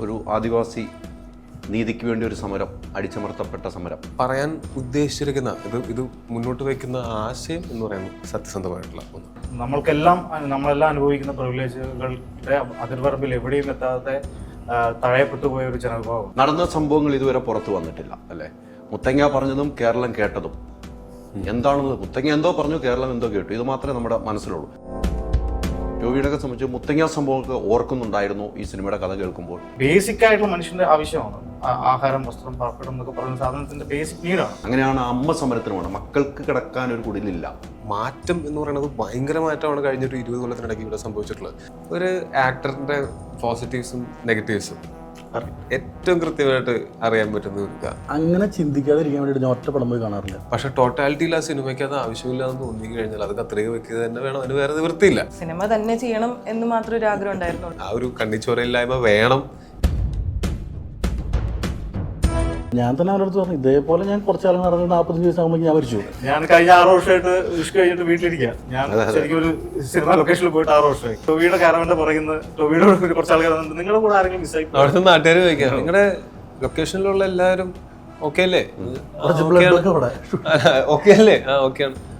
ഒരു ആദിവാസി നീതിക്ക് വേണ്ടി ഒരു സമരം, അടിച്ചമർത്തപ്പെട്ട സമരം. പറയാൻ ഉദ്ദേശിച്ചിരിക്കുന്ന ഇത് മുന്നോട്ട് വയ്ക്കുന്ന ആശയം എന്ന് പറയുന്നത് സത്യസന്ധമായിട്ടുള്ള ഒന്ന്. നമ്മളെല്ലാം അനുഭവിക്കുന്ന പ്രിവിലേജുകളുടെ അതിർവരമ്പിൽ എവിടെയും എത്താതെ തഴയപ്പെട്ടു പോയ ഒരു ജനവിഭാഗം. നടന്ന സംഭവങ്ങൾ ഇതുവരെ പുറത്തു വന്നിട്ടില്ല അല്ലേ? മുത്തങ്ങ പറഞ്ഞതും കേരളം കേട്ടതും എന്താണെന്ന്, മുത്തങ്ങ എന്തോ പറഞ്ഞു, കേരളം എന്തോ കേട്ടു, ഇത് മാത്രമേ നമ്മുടെ മനസ്സിലുള്ളൂ. ടോവിയോടൊക്കെ സംബന്ധിച്ച് മുത്തങ്ങ സംഭവമൊക്കെ ഓർക്കുന്നുണ്ടായിരുന്നു ഈ സിനിമയുടെ കഥ കേൾക്കുമ്പോൾ? ബേസിക് ആയിട്ടുള്ള മനുഷ്യന്റെ ആവശ്യമാണ് ആഹാരം, വസ്ത്രം, പാർപ്പിടം എന്നൊക്കെ പറയുന്ന സാധനത്തിന്റെ ബേസിക് നീഡാണ്. അങ്ങനെയാണ് അമ്മ സമരത്തിന് വേണം. മക്കൾക്ക് കിടക്കാൻ ഒരു കുടിലില്ല. മാറ്റം എന്ന് പറയുന്നത് ഭയങ്കര മാറ്റമാണ് കഴിഞ്ഞൊരു 20 കൊല്ലത്തിനിടയ്ക്ക് ഇവിടെ സംഭവിച്ചിട്ടുള്ളത്. ഒരു ആക്ടറിന്റെ പോസിറ്റീവ്സും നെഗറ്റീവ്സും ഏറ്റവും കൃത്യമായിട്ട് അറിയാൻ പറ്റുന്ന അങ്ങനെ ചിന്തിക്കാതിരിക്കാൻ വേണ്ടിയിട്ട് ഞാൻ ഒറ്റ പടം പോയി കാണാറില്ല. പക്ഷെ ടോട്ടാലിറ്റിയിൽ ആ സിനിമയ്ക്ക് അത് ആവശ്യമില്ലാന്ന് തോന്നി കഴിഞ്ഞാൽ അത് കത്രിക വെക്കുക തന്നെ വേണം, അതിന് വേറെ നിവൃത്തിയില്ല. സിനിമ തന്നെ ചെയ്യണം എന്ന് മാത്രം ഒരു ആഗ്രഹം ഉണ്ടായിരുന്നു. ആ ഒരു കണ്ണിച്ചോരയില്ലായ്മ വേണം. ഞാൻ തന്നെ അവരുടെ അടുത്ത് പറഞ്ഞു, ഇതേപോലെ ഞാൻ കുറച്ചാൾ നടന്ന് 45 ദിവസം ആകുമ്പോൾ ഞാൻ മരിച്ചു. ഞാൻ കഴിഞ്ഞ 6 വർഷമായിട്ട് വിഷ് കഴിഞ്ഞിട്ട് വീട്ടിലിരിക്കുക. ഞാൻ ശരിക്കും ഒരു സിനിമ ലൊക്കേഷനിൽ പോയിട്ട് 6 വർഷമായി. ടോവിയുടെ കാരവന്റെ പറയുന്നത്, ടോവിയുടെ കുറച്ച് ആൾക്കാർ നിങ്ങളുടെ കൂടെ ആരെങ്കിലും മിസ്സായി? അവിടുത്തെ നാട്ടുകാർ ചോദിക്കാം, നിങ്ങളുടെ ലൊക്കേഷനിലുള്ള എല്ലാവരും ഓക്കെ അല്ലേ? ഓക്കെ അല്ലേ? ആ ഓക്കെയാണ്.